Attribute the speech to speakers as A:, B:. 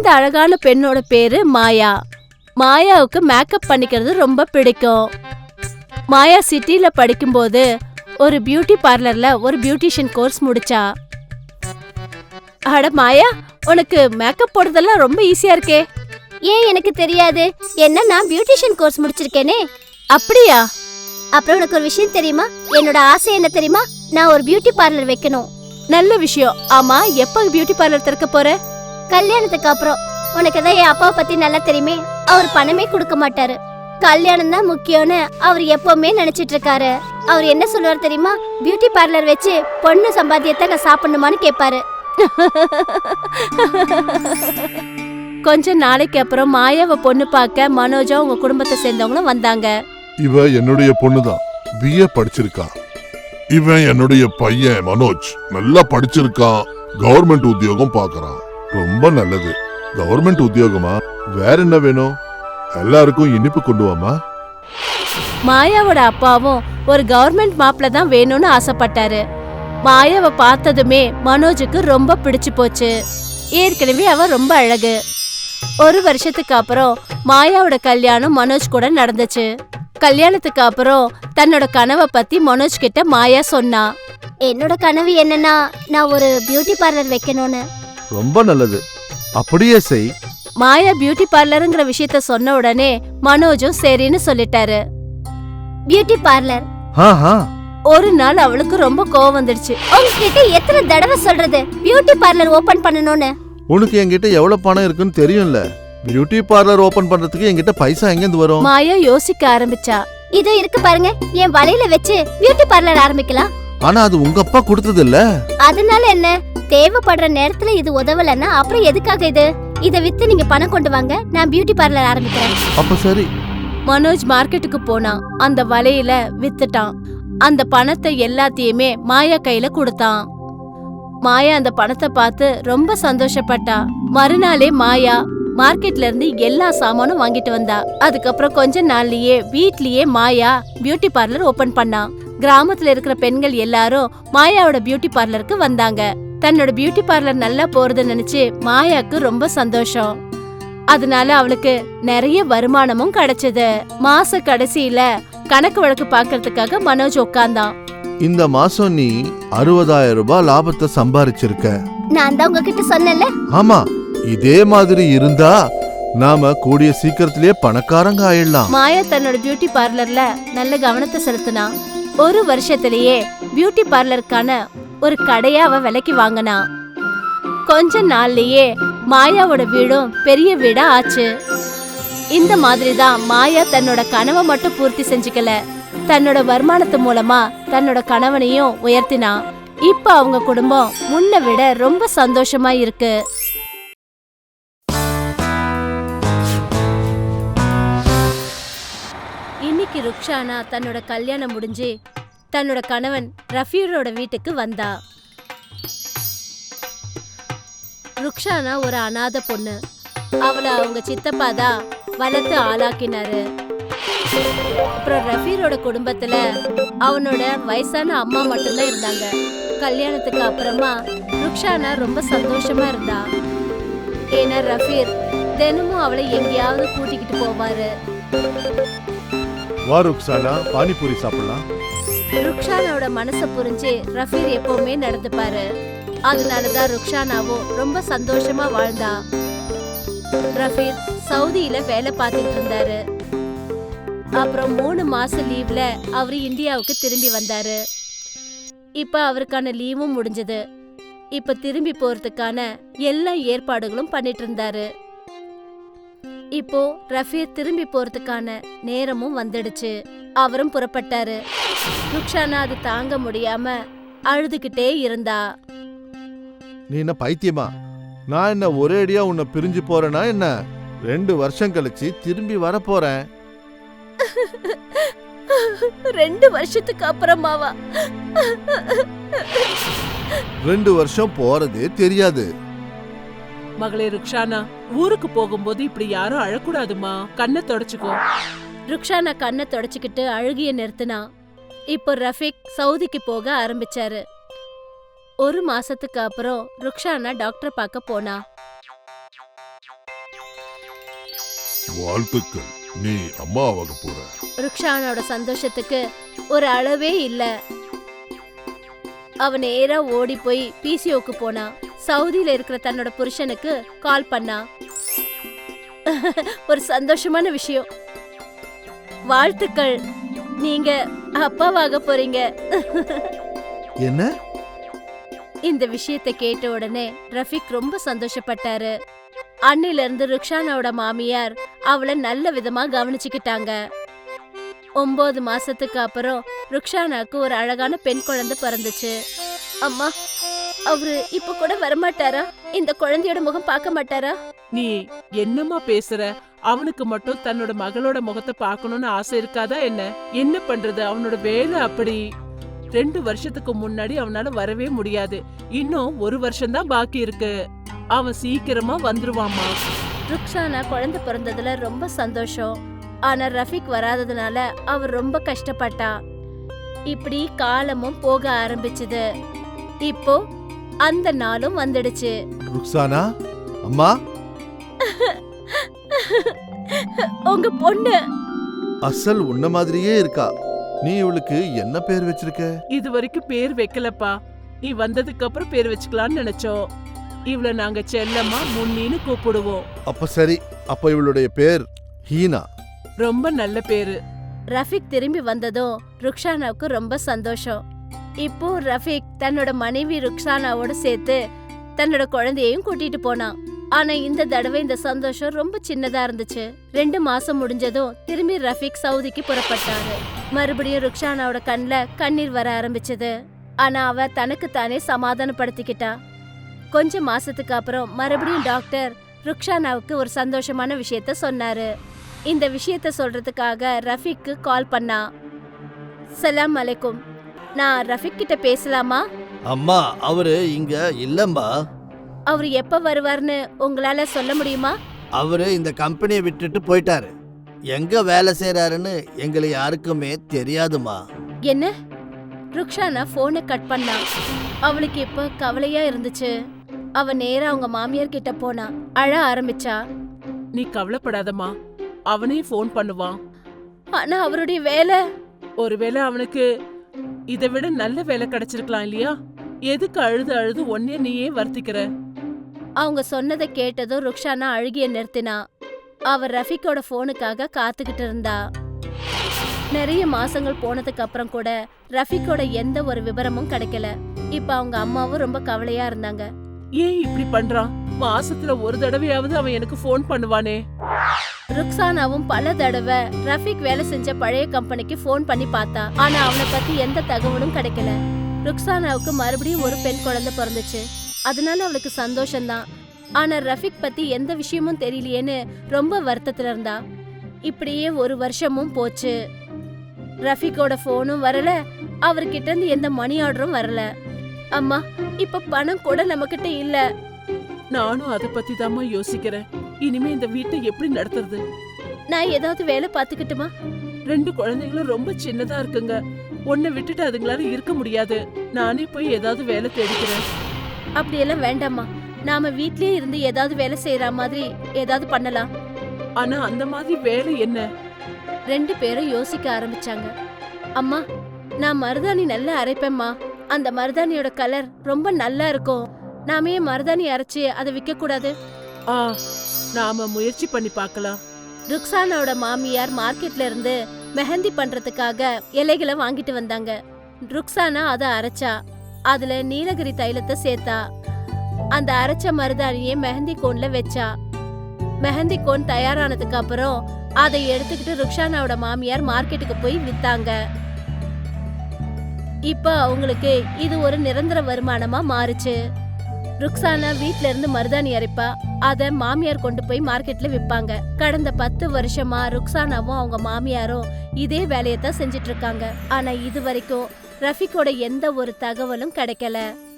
A: இந்த அழகான பெண்ணோட பேரு மாயா. மாயாவுக்கு மேக்கப் பண்ணிக்கிறது ரொம்ப பிடிக்கும். மாயா சிட்டில படிக்கும்போது ஒரு பியூட்டி பார்லர்ல ஒரு பியூட்டிஷியன் கோர்ஸ் முடிச்சா. அட மாயா, உனக்கு மேக்கப் போடுறதெல்லாம் ரொம்ப ஈஸியா இருக்கே.
B: ஏன் எனக்கு தெரியாது, என்ன நான் பியூட்டிஷியன் கோர்ஸ் முடிச்சிருக்கேனே.
A: அப்படியா?
B: அப்புறம் உனக்கு ஒரு விஷயம் தெரியுமா? என்னோட ஆசை என்ன தெரியுமா? நான் ஒரு பியூட்டி பார்லர் வைக்கணும்.
A: நல்ல விஷயம். ஆமா, எப்ப பியூட்டி பார்லர் திறக்க போற?
B: கல்யாணத்துக்கு அப்புறம். உனக்கு தான் என் அப்பாவை பத்தி நல்லா தெரியுமே. அவர் பணமே கொடுக்க மாட்டாரு. கல்யாணம் தான் முக்கியம்னு அவர் எப்பவுமே நினைச்சிட்டு இருக்காரு. அவர் என்ன சொல்லுவார் தெரியுமா? பியூட்டி பார்லர் வச்சு பொண்ணு சம்பாத்தியத்தை நான் சாப்பிடணுமான்னு கேட்பாரு.
A: கொஞ்ச நாளைக்கு அப்புறம் மாயாவை பொண்ணு பார்க்க மனோஜா உங்க குடும்பத்தை சேர்ந்தவங்களும் வந்தாங்க.
C: இவ என்னுடைய பொண்ணுதான், பிஏ படிச்சிருக்கா. இவன் என்னுடைய பையன் மனோஜ், நல்லா படிச்சிருக்கான், கவர்மெண்ட் உத்தியோகம் பாக்குறான். ரொம்ப நல்லது. கவர்மெண்ட் உத்தியோகமா? வேற என்ன வேணும்? எல்லாருக்கும் இனிப்பு கொண்டு வாமா.
A: மாயாவோட அப்பாவும் ஒரு கவர்மெண்ட் மாப்பிள்ள தான் வேணும்னு ஆசைப்பட்டாரு. மாயாவை பார்த்ததுமே மனோஜுக்கு ரொம்ப பிடிச்சு போச்சு. ஏற்கனவே அவ ரொம்ப அழகு. ஒரு வருஷத்துக்கு அப்புறம் மாயாவோட கல்யாணம் மனோஜ் கூட நடந்துச்சு. கல்யாணத்துக்கு அப்புறம் தன்னோட கனவை பத்தி மனோஜ் கிட்ட மாயா சொன்னா.
B: என்னோட கனவு என்னன்னா, நான் ஒரு பியூட்டி பார்லர் வைக்கணும்னு.
D: ரொம்ப நல்லது, அப்படியே செய்.
A: மாயா பியூட்டி பார்லருங்கிற விஷயத்த சொன்ன உடனே மனோஜும் சரின்னு சொல்லிட்டாரு.
B: Beauty parlour.
A: ஒரு நாள் அவளுக்கு ரொம்ப கோவம் வந்துடுச்சு.
B: உங்ககிட்ட எத்தனை தடவை சொல்றது பியூட்டி பார்லர் ஓபன் பண்ணணும்னு?
D: உனக்கு என்கிட்ட எவ்வளவு பணம் இருக்குன்னு தெரியும்ல. பியூட்டி பார்லர் ஓபன் பண்றதுக்கு என்கிட்ட பைசா எங்க வரும்?
A: மாயா யோசிக்க ஆரம்பிச்சா.
B: இதோ இருக்கு பாருங்க, என் வலையில வச்சு பியூட்டி பார்லர் ஆரம்பிக்கலாம்.
D: ஆனா அது உங்க அப்பா கொடுத்தது இல்ல.
B: அதனால என்ன? தேவைப்படுற நேரத்துல இது உதவலன்னா அப்புறம் எதுக்காக இது? இத வித்து நீங்க பணம் கொண்டு வாங்க, நான் பியூட்டி பார்லர் ஆரம்பிக்கிறேன்.
D: அப்ப சரி.
A: மனோஜ் மார்க்கெட்டுக்கு போனான். அந்த வலையில வித்துட்டான். அந்த பணத்தை எல்லாத்தையுமே மாயா கையில கொடுத்தான். மாயா அந்த பணத்தை பார்த்து ரொம்ப சந்தோஷப்பட்டா. மறுநாளே மாயா மார்க்கெட்ல இருந்து எல்லா சாமானும் வாங்கிட்டு வந்தா. அதுக்கப்புறம் கொஞ்ச நாள்லயே வீட்லயே மாயா பியூட்டி பார்லர் ஓபன் பண்ணா. கிராமத்துல இருக்கிற பெண்கள் எல்லாரும் மாயாவோட பியூட்டி பார்லருக்கு வந்தாங்க. தன்னோட பியூட்டி பார்லர் நல்லா போறத நினைச்சு மாயாக்கு ரொம்ப சந்தோஷம். அதனால அவளுக்கு நிறைய வருமானமும் கிடைச்சது. மாச கடைசியில கணக்கு வழக்கு பாக்குறதுக்காக மனோஜ் உட்கார்ந்தான்.
D: இந்த மாசம் நீ 60,000 ரூபாய் லாபத்தை சம்பாரிச்சிருக்க.
B: நான் தான் உங்ககிட்ட சொன்னேன்ல.
D: ஆமா, இதே மாதிரி இருந்தா நாம கூடிய சீக்கிரத்திலேயே பணக்காரங்க ஆயிடலாம்.
A: மாயா தன்னோட பியூட்டி பார்லர்ல நல்ல கவனத்தை செலுத்தினா. ஒரு வருஷத்திலேயே பியூட்டி பார்லருக்கான ஒரு கடையை அவ விலைக்கு வாங்கினா. கொஞ்ச நாள்லயே மாயாவோட வீடும் பெரிய வீடா ஆச்சு. இந்த மாதிரிதான் மாயா தன்னோட கனவை மட்டும் பூர்த்தி செஞ்சுக்கல, தன்னோட வருமானத்து மூலமா தன்னோட கணவனையும் உயர்த்தினா. இப்ப அவங்க குடும்பம் முன்ன விட ரொம்ப சந்தோஷமா இருக்கு. இன்னைக்கு ருக்ஷானா தன்னோட கல்யாணம் முடிஞ்சு தன்னோட கணவன் ரஃபீரோட வீட்டுக்கு வந்தா. ருக்ஷானா ஒரு அனாதை பொண்ணு. அவளை அவங்க சித்தப்பா தான் வளர்த்து ஆளாக்கினாரு. அப்புறம் ரஃபீரோட குடும்பத்துல அவனோட வயசான அம்மா மட்டும்தான் இருந்தாங்க. கல்யாணத்துக்கு அப்புறமா ருக்ஷானா ரொம்ப சந்தோஷமா இருந்தா. ஏன்னா ரஃபீர் தினமும் அவளை எங்கேயாவது கூட்டிக்கிட்டு போவாரு.
D: வா ருக்ஷானா, பானிபூரி சாப்பிடலாம்.
A: ருக்ஷானாவோட மனசை புரிஞ்சு ரஃபீர் எப்பவுமே நடந்துப்பாரு. அதனாலதான் ருக்ஷானாவும் ரொம்ப சந்தோஷமா வாழ்ந்தா. ரஃபீர் சவுதியில வேலை பார்த்துட்டு இருந்தாரு. அப்புறம் 3 மாசம் லீவ்ல அவரு இந்தியாவுக்கு திரும்பி வந்தாரு. இப்ப அவருக்கான லீவும் முடிஞ்சது. இப்ப திரும்பி போறதுக்கான எல்லா ஏற்பாடுகளும் பண்ணிட்டு இருந்தாரு. இப்போ ரஃபீர் திரும்பி போறதுக்கான நேரமும் வந்துடுச்சு. அவரும் புறப்பட்டாரு. ருக்ஷானா அது தாங்க முடியாம அழுதுகிட்டே இருந்தா.
D: நீ என்ன பைத்தியமா? நான் என்ன ஒரேடியா உன்னை பிரிஞ்சு போறேனா என்ன? 2 வருஷம் கழிச்சு திரும்பி வர போறேன்.
A: 2 வருஷத்துக்கு அப்புறமாவா?
D: 2 வருஷம் போறதே தெரியாது.
E: மகளே ருக்ஷானா, ஊருக்கு போகும்போது இப்படி யாரும் அழக்கூடாதுமா, கண்ணை தொடச்சுக்கோ.
A: ருக்ஷானா கண்ணை தொடச்சுக்கிட்டு அழுகிய நிறுத்தினா. இப்போ ரஃபீக் சவுதிக்கு போக ஆரம்பிச்சாரு. 1 மாசத்துக்கு அப்புறம் ருக்ஷானா டாக்டர் பார்க்க போனா.
C: வாழ்த்துக்கள், நீ அம்மாவாக போற.
A: ருக்ஷானாவோட சந்தோஷத்துக்கு ஒரு அளவே இல்ல. அவ நேரா ஓடி போய் பிசிஓக்கு போனா. சவுதியில இருக்கிற தன்னோட புருஷனுக்கு கால் பண்ணா. ஒரு சந்தோஷமான விஷயம், வாழ்த்துக்கள், நீங்க அப்பாவாக போறீங்க.
D: என்ன?
A: இந்த விஷயத்தை கேட்ட உடனே ரஃபிக் ரொம்ப சந்தோஷப்பட்டாரு. அன்னில இருந்து ருக்ஷானாவோட மாமியார் அவளை நல்ல விதமா கவனிச்சுக்கிட்டாங்க. 9 மாசத்துக்கு அப்புறம் ருக்ஷானாக்கு ஒரு அழகான பெண் குழந்தை பிறந்துச்சு. அம்மா, அவரு இப்ப கூட வரமாட்டாரா? இந்த குழந்தையோட முகம் பார்க்க மாட்டாரா?
E: நீ என்னம்மா பேசுற? அவனுக்கு மட்டும் தன்னோட மகளோட முகத்தை பார்க்கணும்னு ஆசை இருக்காதா என்ன? என்ன பண்றது, அவனோட வேலை அப்படி. 2 வருஷத்துக்கு முன்னாடி அவனால வரவே முடியாது. இன்னும் 1 வருஷம்தான் பாக்கி இருக்கு. அவன் சீக்கிரமா வந்துருவாமா.
A: ருக்ஷானா குழந்தை பிறந்ததுல ரொம்ப சந்தோஷம். ஆனா ரஃபிக் வராததுனால அவர் ரொம்ப கஷ்டப்பட்டா. இப்படி காலமும் போக ஆரம்பிச்சுது. இப்போ அந்த நாளும் வந்துடுச்சு.
D: ருக்ஸானா அம்மா,
A: உங்க பொண்ணு
D: அசல் உன்ன மாதிரியே இருக்கா. நீ இவளுக்கு என்ன பேர் வச்சிருக்க?
E: இது வரைக்கும் பேர் வைக்கலப்பா. நீ வந்ததுக்கு அப்புறம் பேர் வச்சுக்கலாம்னு நினைச்சோம். இவள நாங்க செல்லம்மா முன்னின்னு கூப்பிடுவோம்.
D: அப்ப சரி, அப்ப இவளுடைய பேர் ஹீனா.
E: ரொம்ப நல்ல பேரு.
A: ரஃபிக் திரும்பி வந்ததும் ருக்ஷானாவுக்கு ரொம்ப சந்தோஷம். இப்போ ரஃபிக் தன்னோட மனைவி ருக்ஷானாவோட சேர்த்து தன்னோட குழந்தையையும் கூட்டிட்டு போனான். ஆனா இந்த தடவை இந்த சந்தோஷம் ரொம்ப சின்னதா இருந்துச்சு. 2 மாசம் முடிஞ்சதும் திரும்பி ரஃபிக் சவுதிக்கு புறப்பட்டாரு. மறுபடியும் ருக்ஷானாவோட கண்ல கண்ணீர் வர ஆரம்பிச்சது. ஆனா அவ தனக்கு தானே சமாதானப்படுத்திக்கிட்டா. கொஞ்ச மாசத்துக்கு அப்புறம் மறுபடியும் டாக்டர் ருக்ஷானாவுக்கு ஒரு சந்தோஷமான விஷயத்த சொன்னாரு. இந்த விஷயத்த சொல்றதுக்காக ரஃபிக்கு கால் பண்ணா. சலாம் அலைக்கும், நான் ரஃபிக் கிட்ட பேசலாமா?
F: அம்மா, அவரு இங்க இல்லம்மா.
A: அவர் எப்ப வருவார்னு உங்களால சொல்ல முடியுமா?
F: அவரு இந்த கம்பெனியை விட்டுட்டு போயிட்டாரு. எங்க வேலை செய்யறாருன்னு எங்களை யாருக்குமே தெரியாதுமா.
A: என்ன? ருக்ஷானா போனை கட் பண்ணா. அவளுக்கு இப்ப கவலையா இருந்துச்சு. அவ நேரா அவங்க மாமியார் கிட்ட போனா. அழ ஆரம்பிச்சா.
E: நீ கவலைப்படாதம்மா, அவனே ஃபோன் பண்ணுவான்.
A: ஆனா அவருடைய வேலை.
E: ஒருவேளை அவனுக்கு இதை விட நல்ல வேலை கிடைச்சிருக்கலாம் இல்லையா? எதுக்கு அழுது அழுது ஒன்னே நீயே வருத்திக்கிற?
A: அவங்க சொன்னதை கேட்டதும் ருக்ஷானா அழுகிய நிறுத்தினா. அவ ரஃபிக்கோட போனுக்காக காத்துக்கிட்டு இருந்தா. நிறைய மாசங்கள் போனதுக்கு அப்புறம் கூட ரஃபிக்கோட எந்த ஒரு விவரமும் கிடைக்கல. இப்ப அவங்க அம்மாவும் ரொம்ப கவலையா இருந்தாங்க.
E: ஏன் இப்படி பண்றான்? மாசத்துல ஒரு தடவையாவது அவன் எனக்கு ஃபோன் பண்ணுவானே.
A: ருக்ஸானாவும் பல தடவை ரஃபிக் வேலை செஞ்ச பழைய கம்பெனிக்கு ஃபோன் பண்ணி பார்த்தா. ஆனா அவனை பத்தி எந்த தகவலும் கிடைக்கல. ருக்ஸானாவுக்கு மறுபடியும் ஒரு பெண் குழந்தை பிறந்துச்சு. அதனால அவளுக்கு சந்தோஷம்தான். ஆனா ரஃபிக் பத்தி எந்த விஷயமும் தெரியலையேன்னு ரொம்ப வருத்தத்துல இருந்தா. இப்படியே 1 வருஷமும் போச்சு. ரஃபிக்கோட போனும் வரல, அவர்கிட்ட இருந்து எந்த மணி ஆர்டரும் வரல. அம்மா, இப்ப பணம் கூட நம்மகிட்ட இல்ல.
E: நானும் அதை பத்தி தாம்மா யோசிக்கிறேன். இனிமே இந்த வீட்டை எப்படி நடத்துறது?
A: நான் ஏதாவது வேலை பாத்துக்கிட்டுமா?
E: 2 குழந்தைங்களும் ரொம்ப சின்னதா இருக்குங்க. உன்னை விட்டுட்டு அதுங்களால இருக்க முடியாது. நானே போய் ஏதாவது வேலை தேடிக்கிறேன்.
A: அப்படியெல்லாம் வேண்டாம்மா. நாம வீட்லயே இருந்து ஏதாவது வேலை செய்யற மாதிரி ஏதாவது பண்ணலாம்.
E: ஆனா அந்த மாதிரி வேலை என்ன?
A: 2 பேரும் யோசிக்க ஆரம்பிச்சாங்க. அம்மா, நான் மருதாணி நல்லா அரைப்பேம்மா. அந்த மருதாணியோட கலர் ரொம்ப நல்லா இருக்கும். நாமே மருதாணி அரைச்சு அதை விற்க கூடாது?
E: நாம முயற்சி பண்ணி பார்க்கலாம்.
A: ருக்ஸானாவோட மாமியார் மார்க்கெட்ல இருந்து மெஹந்தி பண்றதுக்காக இலைகளை வாங்கிட்டு வந்தாங்க. ருக்ஸானா அதை அரைச்சா. அதுல நீலகிரி தைலத்தை சேர்த்தா. அந்த அரைச்ச மருதாணியை மெஹந்தி கோன்ல வச்சா. மெஹந்தி கோன் தயாரானதுக்கு அப்புறம் அதை எடுத்துக்கிட்டு ருக்ஸானாவோட மாமியார் மார்க்கெட்டுக்கு போய் வித்தாங்க. இப்ப அவங்களுக்கு இது ஒரு நிரந்தர வருமானமா மாறுச்சு. ருக்ஸானா வீட்ல இருந்து மருதாணி அரைப்பா. அத மாமியார் கொண்டு போய் மார்க்கெட்ல விப்பாங்க. கடந்த 10 வருஷமா ருக்ஸானாவும் அவங்க மாமியாரும் இதே வேலையத்தான் செஞ்சிட்டு இருக்காங்க. ஆனா இது வரைக்கும் ரஃபிக்கோட எந்த ஒரு தகவலும் கிடைக்கல.